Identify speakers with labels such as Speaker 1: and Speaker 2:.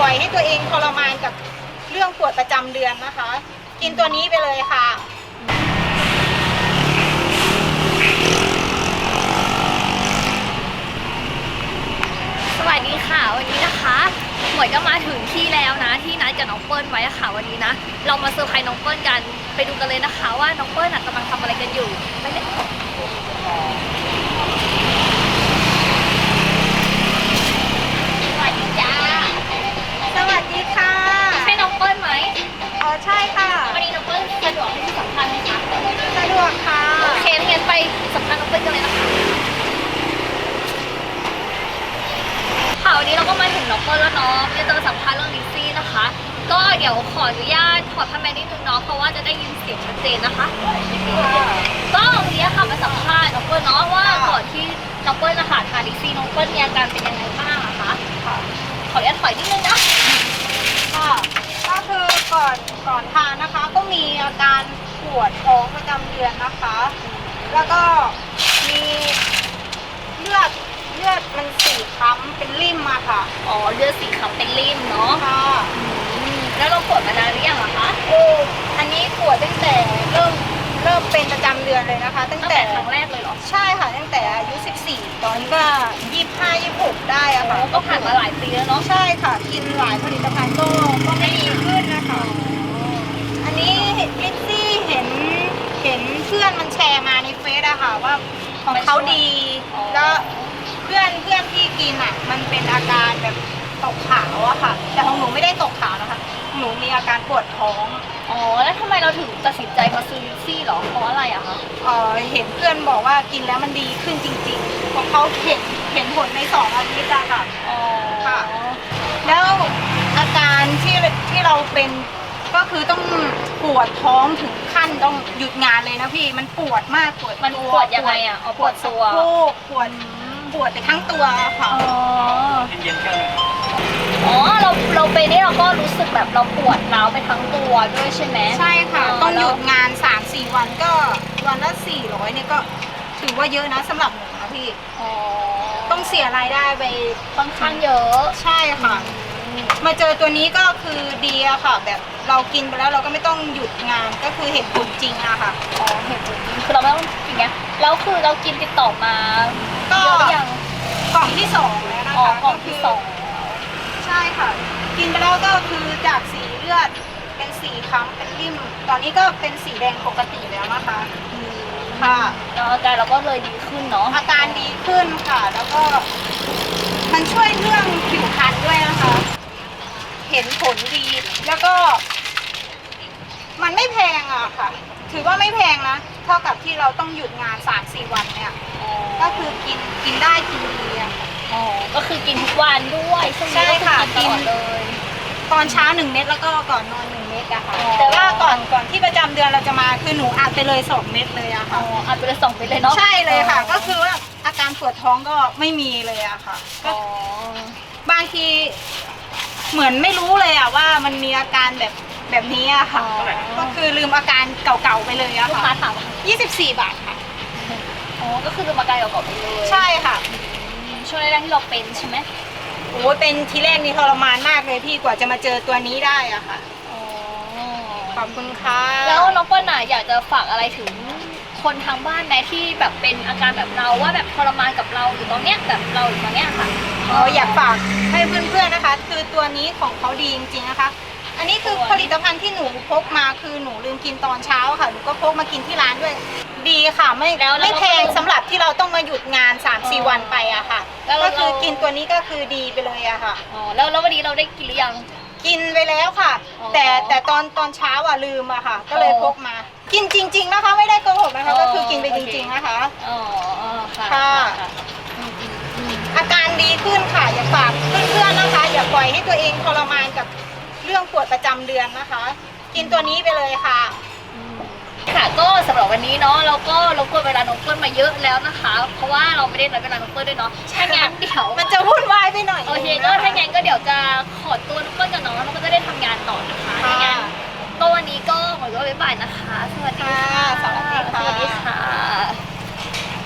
Speaker 1: ล่อยให้ตัวเองทรมานกับเรื่องปวดประจำเดือนนะคะ กินตัวนี้ไปเลยค่ะ
Speaker 2: สวัสดีค่ะวันนี้นะคะหมวยก็มาถึงที่แล้วนะที่นัดกับน้องเปิ้ลไว้ค่ะวันนี้นะเรามาเซอร์ไพรส์น้องเปิ้ลกันไปดูกันเลยนะคะว่าน้องเปิ้ลกำลังทำอะไรกันอยู่ไปเลยสวัสดีจ้า
Speaker 1: สวัสดีค่ะ
Speaker 2: ใช่น้องเปิ้ลไหม
Speaker 1: อ๋อใช่ค่ะ
Speaker 2: วันนี้น้องเปิ้ลสะดวกให้ที่สัมภาษณ์ไหมคะ
Speaker 1: สะดวกค่ะ
Speaker 2: โอเคงั้นไปสัมภาษณ์น้องเปิ้ลกันเลยนะคะค่ะวันนี้เราก็มาถึงน้องเปิ้ลแล้วเนาะจะมาสัมภาษณ์เรื่องลิซซี่นะคะก็เดี๋ยวขออนุญาตถอดผ้าแมสนิดนึงเนาะเพราะว่าจะได้ยินเสียงชัดเจนนะคะก็วันนี้ค่ะมาสัมภาษณ์น้องเปิ้ลเนาะว่าก่อนที่น้องเปิ้ลนะคะทานลิซซี่น้องเปิ้ลมีอาการเป็นยังไงบ้างอะคะขออนุญาตถอยนิดนึงนะ
Speaker 1: ค่ะก็คือก่อนทานนะคะก็มีอาการปวดท้องประจำเดือนนะคะ แล้วก็มีเลือดมันสีคล้ำเป็นริ่มอะค่ะ
Speaker 2: อ๋อเลือดสีขาวเป็นริ่มเนาะ
Speaker 1: ค่ะ
Speaker 2: แล้วเราปวดมานานหรือยังอะคะ
Speaker 1: โอ้อันนี้ปวดตั้งแต่เริ่มเป็นประจำเดือนเลยนะคะ ตั้ง
Speaker 2: ตั้ง
Speaker 1: แต่
Speaker 2: แต่ครั้งแรกเลยเหรอ
Speaker 1: ใช่ค่ะตั้งแต่อายุ14ตอนนี้ก็25-26ได้อะค่ะ
Speaker 2: ก็ผ่านมาหลายปีแล้วเนาะ
Speaker 1: ใช่ค่ะกินหลายผลิตภัณฑ์ก็ไม่ดีขึ้นนะคะ อันนี้ลิซซี่เห็นเพื่อนมันแชร์มาในเฟซอะค่ะว่าของเขาดีแล้วเพื่อนที่กินอะมันเป็นอาการแบบตกขาวอะค่ะ แต่ของหนูไม่ได้ตกขาวนะคะหนูมีอาการปวดท้อง
Speaker 2: อ๋อแล้วทำไมเราถึงตัดสินใจมาซื้อลิซซี่เหรอเพราะอะไรอะคะ
Speaker 1: เห็นเพื่อนบอกว่ากินแล้วมันดีขึ้นจริงๆของเขาเห็นผลใน2 อาทิตย์อะค่ะ
Speaker 2: อ๋อ
Speaker 1: ค่ะ แล้วอาการที่เราเป็นก็คือต้องปวดท้องถึงขั้นต้องหยุดงานเลยนะพี่มันปวดมาก
Speaker 2: มัน
Speaker 1: ปวดตัว
Speaker 2: ปวดยังไงอะอ๋อปวดตัว
Speaker 1: สะโพกปวดไปทั้งตัวค่ะ
Speaker 2: อ๋ออ๋อเราไปนี่เราก็รู้สึกแบบเราปวดร้าวไปทั้งตัวด้วยใช่ไหม
Speaker 1: ใช่ค่ะ
Speaker 2: อ๋อ
Speaker 1: ต้องหยุดงาน 3-4 วันก็วันละ400เนี่ยก็ถือว่าเยอะนะสำหรับหนูนะพี่
Speaker 2: อ๋อ
Speaker 1: ต้องเสียรายได้ไป
Speaker 2: ค่อนข้างเยอะ
Speaker 1: ใช่ค่ะ มาเจอตัวนี้ก็คือดีอะค่ะ แบบเรากินไปแล้วเราก็ไม่ต้องหยุดงานก็คือเห็นผลจริงอะค่ะ
Speaker 2: อ๋อเห็นผลจริงคือเราไม่ต้องอย่างเงี้ยแล้วคือเรากินติดต่อมา
Speaker 1: ก็
Speaker 2: เยอะหรือยัง
Speaker 1: กล่องที่ 2แล้วนะคะ
Speaker 2: อ๋อกล่องที่สอง
Speaker 1: ใช่ค่ะ กินไปแล้วก็คือจากสีเลือดเป็นสีคล้ำเป็นริ่ม ตอนนี้ก็เป็นสีแดงปกติแล้วนะคะค่ะ
Speaker 2: แล้วอาการเราก็เลยดีขึ้นเนาะ
Speaker 1: อาการดีขึ้นค่ะ แล้วก็มันช่วยเรื่องผิวพรรณด้วยนะคะ เห็นผลดี แล้วก็ มันไม่แพงอะค่ะ ถือว่าไม่แพงนะ เท่ากับที่เราต้องหยุดงาน 3-4 วันเนี่ย ก็คือกินได้กินดีอะ
Speaker 2: อ๋อก็คือกินทุกวันด้วยช่วงนี้ก็คือกินตลอดเลย
Speaker 1: ตอนเช้า1 เม็ดแล้วก็ก่อนนอน1 เม็ดอะค่ะ
Speaker 2: อ๋อ
Speaker 1: แต่ว่าก่อนที่ประจำเดือนเราจะมาคือหนูอัดไปเลย2 เม็ดเลยอะ
Speaker 2: อ๋
Speaker 1: ค่ะ
Speaker 2: ออัดไปเลย2 เม็ดเลยเนาะ
Speaker 1: ใช่เลยค่ะ ก็คือว่าอาการปวดท้องก็ไม่มีเลยอะค่ะก็
Speaker 2: อ๋อบ
Speaker 1: างทีเหมือนไม่รู้เลยอะว่ามันมีอาการแบบนี้อะค่ะ ก็คือลืมอาการเก่าๆไปเลยอะ
Speaker 2: ลูกค้า
Speaker 1: ค่ะ
Speaker 2: ถามว่า
Speaker 1: 24 บาทค่ะ
Speaker 2: อ๋อก็คือลืมอาการเก่าๆไปเลย
Speaker 1: ใช่ค่ะ
Speaker 2: ช่วงแรกๆที่เราเป็นใช่ไหม
Speaker 1: โอ้ยเป็นทีแรกนี่ทรมานมากเลยพี่กว่าจะมาเจอตัวนี้ได้อะค่ะ
Speaker 2: อ๋อ
Speaker 1: ขอบคุณค่ะ
Speaker 2: แล้วน้องเปิ้ลน่ะอยากจะฝากอะไรถึงคนทางบ้านไหมที่แบบเป็นอาการแบบเราว่าแบบทรมานกับเราอยู่ตอนเนี้ยแบบเราอยู่ตอนเนี้ยค่ะ
Speaker 1: อยากฝากให้เพื่อนๆนะคะ คือตัวนี้ของเขาดีจริงๆนะคะ อันนี้คือผลิตภัณฑ์ที่หนูพกมาคือหนูลืมกินตอนเช้าค่ะหนูก็พกมากินที่ร้านด้วย ดีค่ะไม่แพงสำหรับที่เราต้องมาหยุดงาน 3-4 วันไปอะค่ะก็คือกินตัวนี้ก็คือดีไปเลยอะค่ะ
Speaker 2: อ๋อแล้ววันนี้เราได้กินหรือยัง
Speaker 1: กินไปแล้วค่ะ
Speaker 2: อ๋อ
Speaker 1: แต่ตอนเช้าอะลืมอะค่ะ ก็เลยพกมา กินจริง ๆนะคะ ไม่ได้โกหกนะคะ ก็คือกินไปจริง ๆนะคะ
Speaker 2: อ๋อค่ะ
Speaker 1: ค่ะ อาการดีขึ้นค่ะอย่าฝากเพื่อนๆนะคะ อย่าปล่อยให้ตัวเองทรมานกับเรื่องปวดประจำเดือนนะคะ กินตัวนี้ไปเลยค่ะ
Speaker 2: ค่ะก็สำหรับวันนี้เนาะเราก็รบกวนเวลาน้องเปิ้ลมาเยอะแล้วนะคะ เพราะว่าเราไม่ได้นัดเวลาน้องเปิ้ลด้วยเนาะถ้างั้นเดี๋ยว
Speaker 1: มันจะวุ่นวายไปหน่อย
Speaker 2: โอเคก็ถ้างั้นก็เดี๋ยวจะขอตัวน้องเปิ้ลกับน้องแล้วก็จะได้ทำงานต่อนะคะถ้างั้นก็วันนี้ก็หมดก็บ๊ายบายนะคะ สวัสดีค่ะ
Speaker 1: สวัสดีค่ะ
Speaker 2: สวัสดีค่ะ